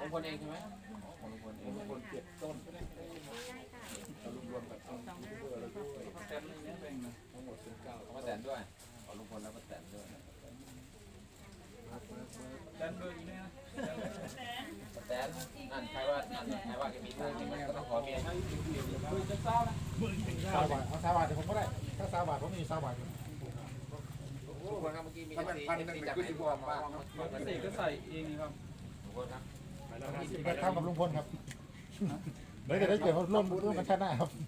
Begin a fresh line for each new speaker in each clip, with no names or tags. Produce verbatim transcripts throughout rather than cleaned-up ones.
ลุงพลเองใช่ไหมของลุงพลเองลุงพลเก็บต้นเรารวมกับต้นยูทูบเบอร์แล้วด้วยแตนนี่เนี่ยเป็นทั้งหมดสิบเก้าของป้าแตนด้วยของลุงพลแล้วป้าแตนด้วยแตนเบอร์อีกเนี่ยป้าแตนนั่นใครว่านั่นใครว่าแกมีตังค์ก็ต้องขอเมียให้เบอร์จะเศร้านะ
สามบาทเอาสามบาทเดี๋ยวผมก็ได้ถ้าสามบาทผมมีสามบาท
ทุกคนครับเมื่อกี้มีเอฟซีเอฟซีจากไหนบอกว่าเกษตรก็ใส่เองครับทุกคนครับ
ไปทำกับลุงพลครับเดี๋ยวจะได้เกิดร่วมร่วมกันชาติหน้าครับ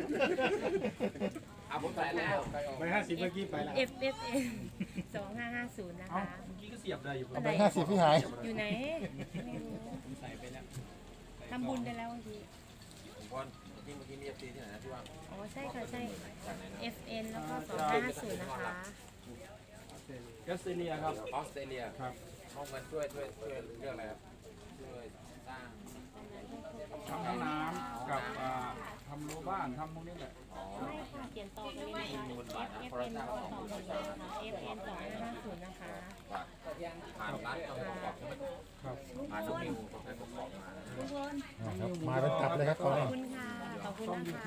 เอาผมใส่แล้ว
ไปห้าสิบเมื่อกี้ไปแล้ว
F F N สองห้าห้าศูนย์นะคะ
เมื่อกี้ก็เสียบได้อยู่
ไปห้าสิบพี่หาย
อยู่ไหนไม่รู้ผมใส่ไปแล้วทำบุญไปแล้วเมื่อกี้
ทุกคนเมื่อกี้เมื่อกี้มีเอฟซีที่ไหนนะที่ว่า
อ๋อใช่ค่ะใช่
จากไหนนะ
F N แล้วก็สองห้าห้าศูนย์นะคะ
ออสเตรเลียครับออสเตรเลียครับเขาเงินช่วยช่วยช่วยเรื่องอะไรครับช่วยสร้าง
ทำห้องน้ำกับทำรั้วบ้านทำพวกนี้แหละ
ไม่ค่ะเขียนต่อไปเลยนะคะ F F N แล้วก็ต่อไปเลยนะคะ F N สองห้าห้าศูนย์นะคะ
ผ่านร้านเอาของบอกใช่ไหม
ครับ
ผ่านน้องมิวของใครของบอกมา
ครับมาเป็นตับเลยครับ
ข
ตอน
อบ
นี้
คุณค่ะ ขอบคุณนะคะ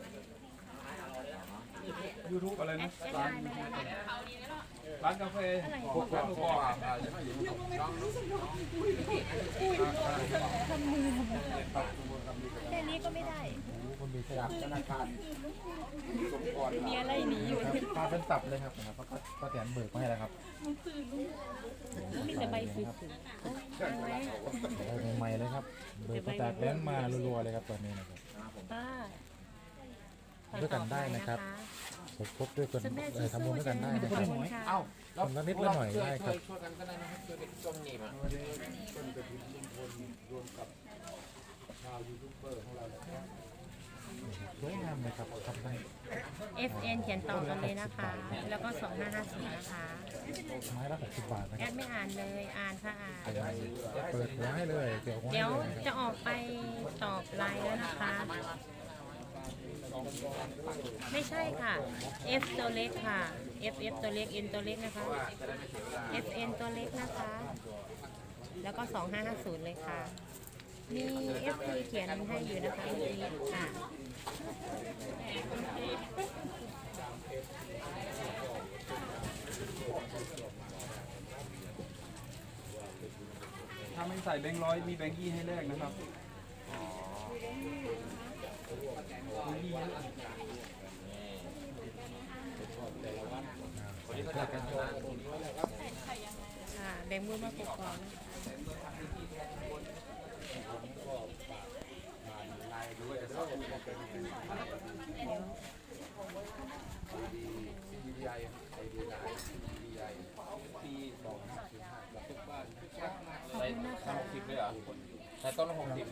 ยูทูบอะไร
แอ
นะ
ดแอดไล
ร้าน
น์ไม่ได้ค่ะ
ร้านกาแฟ
พวกพวกอ่าจะไม่อยู่น้องน้อง
แค่นี้ก็ไม่ได้
คนมีสลับธนาคาร
มีอะไรหนีอยู่
มาเป็นตับเลยครับนะครับก็ก็แตนเบิกมาให้แล้วครับ
มีแต่ใบสุดๆตั้งไว้
ใหม่ๆเลยครับเบิกมาจากแบงค์มารัวๆเลยครับตอนนี้นะครับ
ป้า
ด้วยกันได้นะครับสมทบด้วยกันเออทำบุญด้วยกันได้นะค
ข
รั
อบบ คุณค่ะ
เอ้า
คนละนิดละหน่อยได้ครับ
ช่วยกันก็ได้นะครับช่วยเป็นต้มหนีบอ่ะ
สวยงามเลยครับทำได้
F N เขียนต่อกันเลยนะคะ แล้วก็สองห้าห้าศูนย์นะคะ
ไม้ละหกสิบบาทนะ
แอ
ครับ
ดไม่อ่านเลย อ่านค่ะอ่าน
เปิดหัวให้เลยเดี๋ยวหัวให้
เดี๋ยว
เลยนะครับ
จะออกไปตอบไลน์แล้วนะคะ ไม่ใช่ค่ะ F ตัวเล็กค่ะ F F ตัวเล็ก N ตัวเล็กนะคะ F N ตัวเล็กนะคะ แล้วก็สองห้าห้าศูนย์เลยค่ะ มี F P เขียนให้อยู่นะคะเมื่อกี้ค่ะ
ถ้าไม่ใส่แบงค์ร้อยมีแบงค์ยี่ให้แลกนะครับแบงค์ยี่
คนนี้เขาจัดกันนะ
ค่ะแบ่งมือมาปกครองเดี๋ยว
ดีไอไอดีไอดีไอปีสองห้าศูนย์ห้าแล้วทุกบ้านใส่ต้นหกสิบเลยเหรอใส่ต้นละหกสิบ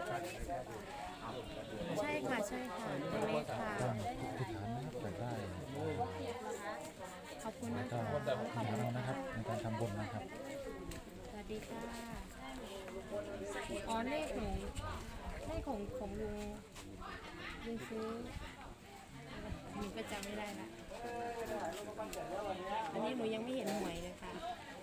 ใช่ค่ะใช่ค่ะตัวเล็กค่ะ
ก็ที่ฐานนะครับเปิดได้
ขอบคุณ
แล้
นะ
วก็
คะ
ที่ฐานเรานะครับในการทำบุญนะครับ
สวัสดีค่ะอ๋อเลขของเลขของของลุงลุงซื้อหนูก็จำไม่ได้ละอันนี้หนูยังไม่เห็นหวยเลยค่ะ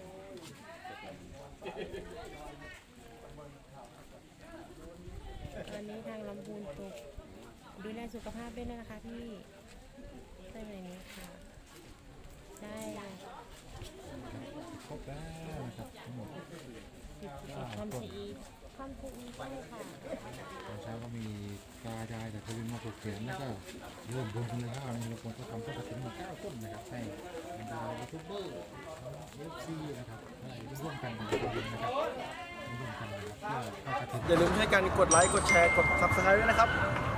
ตอนนี้ทางลำพูนตกดูแลสุขภาพด้วยนะคะพี่ใช่ไหมนี้ค่ะใช่
ครบแล้วนะครับทั้งหมด
คอมซีอีคอมซีอีใช่ค่ะ
ตอนเช้าก็มีกายายจากทวินมาปลูกเขียนแล้วก็ร่วมบุญเลยครับมีคนก็ทำต้นกระถิ่นมาเก้าต้นนะครับให้บรรดายูทูบเบอร์เอฟซีนะครับให้ร่วมกันทำบุญนะครับร่วมกันนะครับเพื่อเข้ากระถิ่น
อย่าลืมให้การกดไลค์ กดแชร์ กด ซับสไครบ์ ด้วยนะครับ